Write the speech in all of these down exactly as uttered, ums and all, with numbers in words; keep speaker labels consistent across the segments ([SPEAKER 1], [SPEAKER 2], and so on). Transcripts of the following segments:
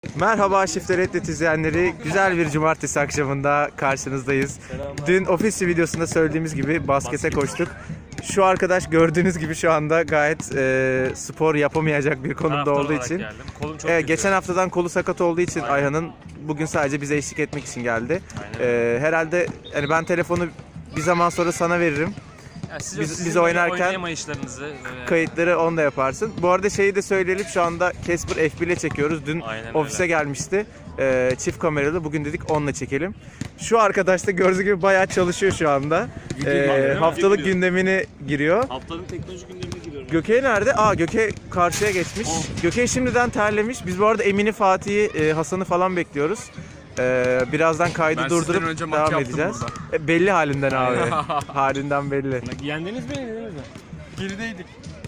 [SPEAKER 1] Merhaba Şifte Reddet izleyenleri. Güzel bir cumartesi akşamında karşınızdayız. Dün ofis videosunda söylediğimiz gibi baskete koştuk. Şu arkadaş gördüğünüz gibi şu anda gayet e, spor yapamayacak bir konumda olduğu için. E, geçen haftadan kolu sakat olduğu için Aynen. Ayhan'ın bugün sadece bize eşlik etmek için geldi. E, herhalde yani ben telefonu bir zaman sonra sana veririm.
[SPEAKER 2] Yani siz
[SPEAKER 1] biz, biz oynarken kayıtları onda yaparsın. Bu arada şeyi de söyleyelim, şu anda Casper F bir ile çekiyoruz. Dün Aynen ofise öyle. gelmişti. Ee, çift kameralı. Bugün dedik onunla çekelim. Şu arkadaş da gördüğünüz gibi bayağı çalışıyor şu anda. Ee, haftalık gündemini giriyor.
[SPEAKER 3] Haftanın teknoloji gündemine giriyorum.
[SPEAKER 1] Gökey nerede? Aa, Gökey karşıya geçmiş. Oh. Gökey şimdiden terlemiş. Biz bu arada Emin'i, Fatih'i, e, Hasan'ı falan bekliyoruz. Ee, birazdan kaydı ben durdurup devam edeceğiz. E, belli halinden abi. Halinden belli.
[SPEAKER 2] Yendiniz mi, yenildiniz mi?
[SPEAKER 3] Gerideydik.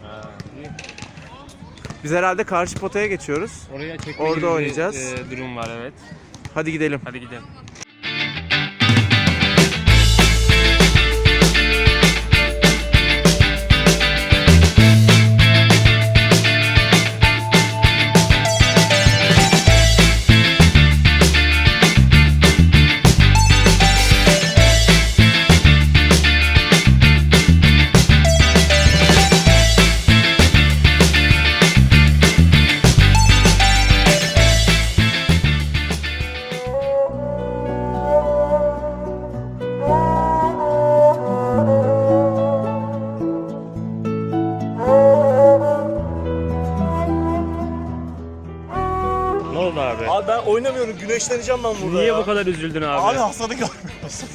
[SPEAKER 1] Biz herhalde karşı potaya geçiyoruz.
[SPEAKER 2] Oraya çekme
[SPEAKER 1] Orada oynayacağız.
[SPEAKER 2] Bir, e, durum var, evet.
[SPEAKER 1] Hadi gidelim.
[SPEAKER 2] Hadi gidelim. Ne oldu abi?
[SPEAKER 3] Abi ben oynamıyorum, güneşleneceğim ben burada.
[SPEAKER 2] Niye
[SPEAKER 3] ya.
[SPEAKER 2] bu kadar üzüldün abi?
[SPEAKER 3] Abi Hasan'ı görmüyorsun.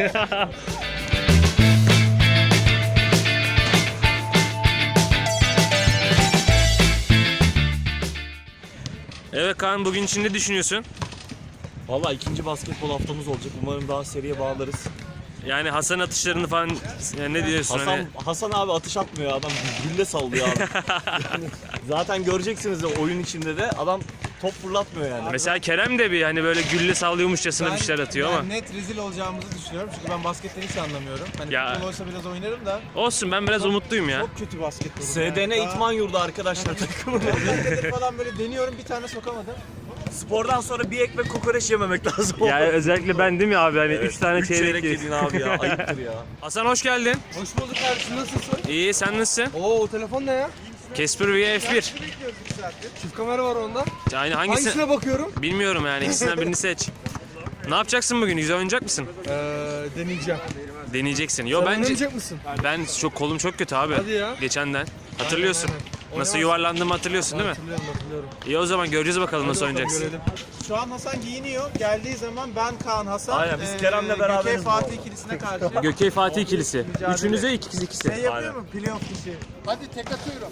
[SPEAKER 2] Evet Kaan, bugün için ne düşünüyorsun?
[SPEAKER 3] Valla ikinci basketbol haftamız olacak. Umarım daha seriye bağlarız.
[SPEAKER 2] Yani Hasan atışlarını falan yani ne diyorsun?
[SPEAKER 3] Hasan,
[SPEAKER 2] hani?
[SPEAKER 3] Hasan abi atış atmıyor, adam gülle sallıyor abi. Yani zaten göreceksiniz de oyun içinde de adam top fırlatmıyor yani.
[SPEAKER 2] Mesela Kerem de bir hani böyle gülle sallıyormuşçasına bir şeyler atıyor
[SPEAKER 4] ben
[SPEAKER 2] ama.
[SPEAKER 4] net rezil olacağımızı düşünüyorum çünkü ben basketten hiç anlamıyorum. Hani
[SPEAKER 2] Ya.
[SPEAKER 4] futbol olsa biraz oynarım da.
[SPEAKER 2] Olsun, ben biraz umutluyum ya.
[SPEAKER 4] Çok kötü basketbol.
[SPEAKER 3] S D N
[SPEAKER 4] yani.
[SPEAKER 3] İtman Yurdu arkadaşlar takımı.
[SPEAKER 4] Daha falan böyle deniyorum, bir tane sokamadım.
[SPEAKER 3] Spordan sonra bir ekmek kokoreç yememek lazım.
[SPEAKER 2] Yani özellikle ben değil mi abi, hani üç tane
[SPEAKER 3] Üç
[SPEAKER 2] çeyrek
[SPEAKER 3] yedin abi ya, ayıptır ya.
[SPEAKER 2] Hasan hoş geldin.
[SPEAKER 4] Hoş bulduk kardeşim, nasılsın?
[SPEAKER 2] İyi, sen nasılsın?
[SPEAKER 4] Oo, o telefon ne ya?
[SPEAKER 2] Casper V F bir.
[SPEAKER 4] Çift kamera var onda.
[SPEAKER 2] Yani hangisi?
[SPEAKER 4] Hangisine bakıyorum?
[SPEAKER 2] Bilmiyorum yani, ikisinden birini seç. Ne yapacaksın bugün? Güzel oynayacak mısın?
[SPEAKER 4] Ee, deneyeceğim.
[SPEAKER 2] Deneyeceksin. Yo
[SPEAKER 4] Sen
[SPEAKER 2] bence
[SPEAKER 4] oynayacak mısın?
[SPEAKER 2] ben çok kolum çok kötü abi.
[SPEAKER 4] Hadi ya.
[SPEAKER 2] Geçenden. Hatırlıyorsun.
[SPEAKER 4] Aynen, aynen.
[SPEAKER 2] Nasıl
[SPEAKER 4] Oynamaz-
[SPEAKER 2] yuvarlandığımı hatırlıyorsun değil mi?
[SPEAKER 4] Hatırlıyorum, hatırlıyorum.
[SPEAKER 2] İyi, o zaman göreceğiz bakalım nasıl
[SPEAKER 4] Hadi bakalım,
[SPEAKER 2] oynayacaksın.
[SPEAKER 4] görelim. Şu an Hasan giyiniyor. Geldiği zaman ben, Kaan, Hasan,
[SPEAKER 3] Aynen, biz Kerem'le beraberiz
[SPEAKER 4] Gökey
[SPEAKER 3] bu
[SPEAKER 4] Fatih
[SPEAKER 3] arada.
[SPEAKER 4] ikilisine karşı.
[SPEAKER 2] Gökey Fatih ikilisi.
[SPEAKER 4] Mücadele.
[SPEAKER 2] Üçünüze ikisi ikisi.
[SPEAKER 4] Ne yapıyor mu? Playoff işi. Hadi tek atıyorum.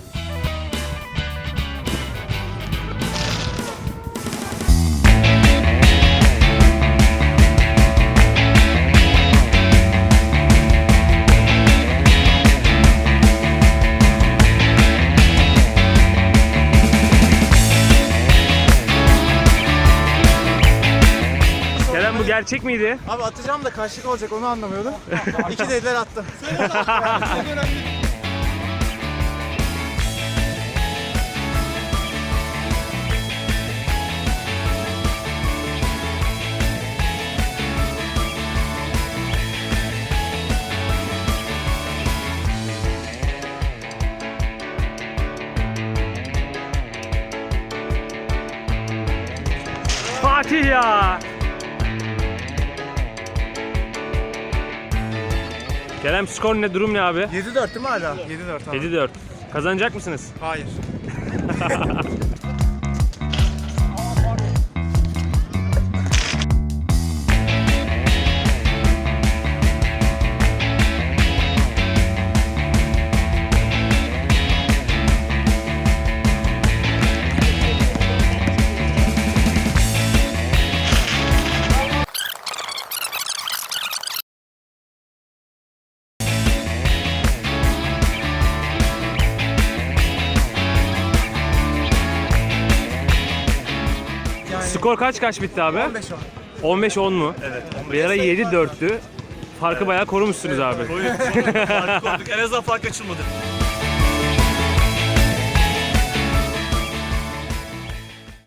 [SPEAKER 2] Kerem, bu gerçek miydi?
[SPEAKER 4] Abi atacağım da kaçlık olacak, onu anlamıyordum. İki dediler, attım.
[SPEAKER 2] Fatih ya. Kerem, skor ne, durum ne abi?
[SPEAKER 4] yedi dört değil mi hala? yedi dört abi.
[SPEAKER 2] yedi dört. Kazanacak mısınız?
[SPEAKER 4] Hayır.
[SPEAKER 2] Skor kaç kaç bitti abi?
[SPEAKER 4] on beş on.
[SPEAKER 2] on beş on mu?
[SPEAKER 3] Evet.
[SPEAKER 2] Bir ara yedi dörttü. Farkı bayağı korumuşsunuz abi.
[SPEAKER 3] Fark koyduk. En azından fark açılmadı.